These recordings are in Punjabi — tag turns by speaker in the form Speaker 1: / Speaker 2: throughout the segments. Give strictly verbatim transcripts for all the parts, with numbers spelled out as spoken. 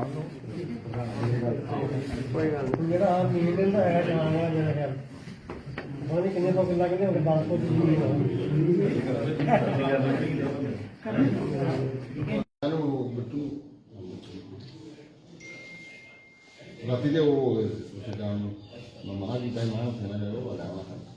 Speaker 1: कोई गल नहीं जेड़ा आ मील दिंदा है जान वाला मेरा ख्याल पता नहीं किन्ने सौ किला किन्ने होंगे दस सौ की
Speaker 2: राती दे वो जान महा जी टाइम महा थे ना वो वाला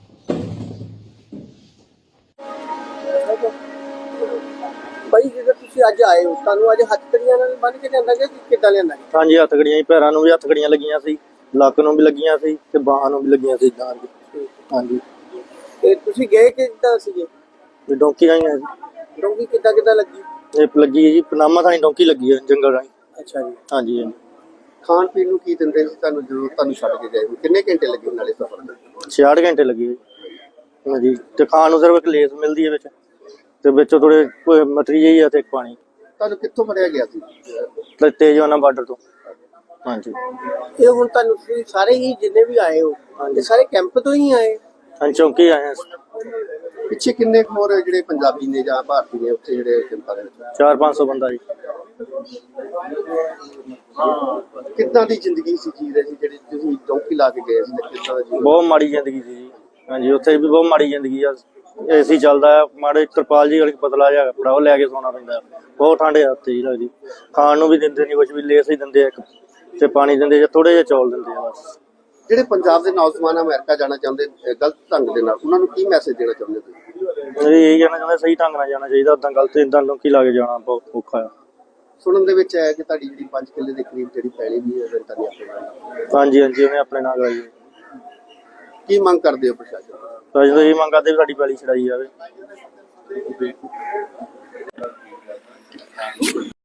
Speaker 1: भाई ਜਦੋਂ ਤੁਸੀਂ ਅੱਜ ਆਏ ਹੋ ਤੁਹਾਨੂੰ ਅੱਜ ਹੱਥਕੜੀਆਂ ਨਾਲ ਬੰਨ ਕੇ ਲਿਆਂਦਾ ਕਿ ਕਿੱਦਾਂ ਲਿਆਂਦਾ?
Speaker 3: ਹਾਂਜੀ ਹੱਥਕੜੀਆਂ ਹੀ ਪੈਰਾਂ ਨੂੰ ਵੀ ਹੱਥਕੜੀਆਂ ਲੱਗੀਆਂ ਸੀ, ਲੱਕ ਨੂੰ ਵੀ ਲੱਗੀਆਂ ਸੀ ਤੇ ਬਾਹਾਂ ਨੂੰ ਵੀ ਲੱਗੀਆਂ ਸੀ ਨਾਲ ਦੀ। ਹਾਂਜੀ
Speaker 1: ਤੇ ਤੁਸੀਂ ਗਏ ਕਿੱਦਾਂ ਸੀਗੇ?
Speaker 3: ਤੇ ਡੌਂਕੀ ਰਾਹੀਂ ਆਏ ਜੀ।
Speaker 1: ਡੋਂਗੀ ਕਿੱਦਾਂ ਕਿੱਦਾਂ ਲੱਗੀ?
Speaker 3: ਇਹ ਲੱਗੀ ਹੈ ਜੀ ਪਨਾਮਾ ਥਾਣੀ ਡੌਂਕੀ ਲੱਗੀ ਹੈ ਜੰਗਲ ਰਾਹੀਂ।
Speaker 1: ਅੱਛਾ ਜੀ।
Speaker 3: ਹਾਂਜੀ ਹਾਂਜੀ
Speaker 1: ਖਾਣ ਪੀਣ ਨੂੰ ਕੀ ਦਿੰਦੇ ਸੀ ਤੁਹਾਨੂੰ ਜਦੋਂ ਤੁਹਾਨੂੰ ਛੱਡ ਕੇ ਗਏ? ਕਿੰਨੇ ਘੰਟੇ ਲੱਗੇ ਨਾਲੇ ਸਫ਼ਰ ਦੇ?
Speaker 3: ਛਿਆਹਠ ਘੰਟੇ ਲੱਗੇ ਜੀ। ਹਾਂਜੀ ਤੇ ਖਾਣ ਨੂੰ ਸਿਰਫ ਇੱਕ ਲੇਸ ਮਿਲਦੀ ਹੈ ਵਿੱਚ ਤੇ ਵਿੱਚੋਂ ਥੋੜੇ ਮਟਰੀ ਜਿਹੀ ਆ ਤੇ ਇੱਕ ਪਾਣੀ।
Speaker 1: ਤੁਹਾਨੂੰ ਕਿੱਥੋਂ ਫੜਿਆ ਗਿਆ ਸੀ?
Speaker 3: ਤੇ ਤੇਜਵਾਨਾ ਬਾਰਡਰ ਤੋਂ। ਹਾਂਜੀ
Speaker 1: ਇਹ ਹੁਣ ਤੁਹਾਨੂੰ ਤੁਸੀਂ ਸਾਰੇ ਹੀ ਜਿੰਨੇ ਵੀ ਆਏ ਹੋ ਇਹ ਸਾਰੇ ਕੈਂਪ ਤੋਂ ਹੀ ਆਏ?
Speaker 3: ਹਾਂਜੀ ਚੌਂਕੀ ਆਏ ਹਾਂ।
Speaker 1: ਪਿੱਛੇ ਕਿੰਨੇ ਕੁ ਹੋਰ ਜਿਹੜੇ ਪੰਜਾਬੀ ਨੇ ਜਾਂ ਭਾਰਤੀ ਨੇ ਉੱਥੇ ਜਿਹੜੇ ਕੈਂਪਾਂ ਦੇ ਵਿੱਚ?
Speaker 3: ਚਾਰ ਪੰਜ ਸੌ ਬੰਦਾ ਜੀ।
Speaker 1: ਕਿੱਦਾਂ ਦੀ ਜ਼ਿੰਦਗੀ ਸੀ ਜੀ ਰਹੀ ਜਿਹੜੀ ਤੁਸੀਂ ਡੌਂਕੀ ਲਾ ਕੇ ਗਏ ਸੀ ਤੇ ਕਿੱਦਾਂ ਦਾ ਜੀਵਨ?
Speaker 3: ਬਹੁਤ ਮਾੜੀ ਜ਼ਿੰਦਗੀ ਸੀ ਜੀ। ਹਾਂਜੀ ਉੱਥੇ ਵੀ ਬਹੁਤ ਮਾੜੀ ਜ਼ਿੰਦਗੀ ਆ। ਏਸੀ ਚੱਲਦਾ ਆ, ਮਾੜੇ ਤਰਪਾਲ ਜੀ ਵਾਲੀ ਪਤਲਾ ਜਿਹਾ ਕੱਪੜਾ ਉਹ ਲੈ ਕੇ ਸੌਣਾ ਪੈਂਦਾ। ਬਹੁਤ ਠੰਡ ਆ ਉੱਥੇ ਜੀ ਲੱਗਦੀ। ਖਾਣ ਨੂੰ ਵੀ ਦਿੰਦੇ ਨਹੀਂ ਕੁਛ ਵੀ, ਲੇਸ ਹੀ ਦਿੰਦੇ ਇੱਕ ਤੇ ਪਾਣੀ ਦਿੰਦੇ ਜਾਂ ਥੋੜੇ ਜਿਹੇ ਚੌਲ ਦਿੰਦੇ ਆ ਬਸ।
Speaker 1: ਜਿਹੜੇ ਪੰਜਾਬ ਦੇ ਨੌਜਵਾਨ ਅਮਰੀਕਾ ਜਾਣਾ ਚਾਹੁੰਦੇ ਗਲਤ ਢੰਗ ਦੇ ਨਾਲ ਉਹਨਾਂ ਨੂੰ ਕੀ ਮੈਸੇਜ ਦੇਣਾ ਚਾਹੁੰਦੇ ਤੁਸੀਂ?
Speaker 3: ਇਹ ਕਹਿਣਾ ਚਾਹੁੰਦੇ ਸਹੀ ਢੰਗ ਨਾਲ ਜਾਣਾ ਚਾਹੀਦਾ, ਉਦਾਂ ਗਲਤ ਇਦਾਂ ਲੋਕੀ ਲਾ ਕੇ ਜਾਣਾ ਬਹੁਤ ਔਖਾ ਆ।
Speaker 1: ਸੁਣਨ ਦੇ ਵਿੱਚ ਆਇਆ ਕਿ ਤੁਹਾਡੀ ਜਿਹੜੀ ਪੰਜ ਕਿੱਲੇ ਦੇ ਕਰੀਬ ਜਿਹੜੀ ਪੈਲੀ ਵੀ ਹੈ ਰੈਂਟਾਂ ਦੀ ਆਪਣੇ ਨਾਲ।
Speaker 3: ਹਾਂਜੀ ਹਾਂਜੀ ਉਹਨੇ ਆਪਣੇ ਨਾਲ ਕਰਾਈ।
Speaker 1: ਕੀ ਮੰਗ ਕਰਦੇ ਹੋ ਪ੍ਰਸ਼ਾਸਨ ਤੋਂ?
Speaker 3: ਤਾਂ ਜਦੋਂ ਇਹ ਮੰਗ ਕਰਦੇ ਵੀ ਸਾਡੀ ਪੈਲੀ ਛਡਾਈ ਜਾਵੇ।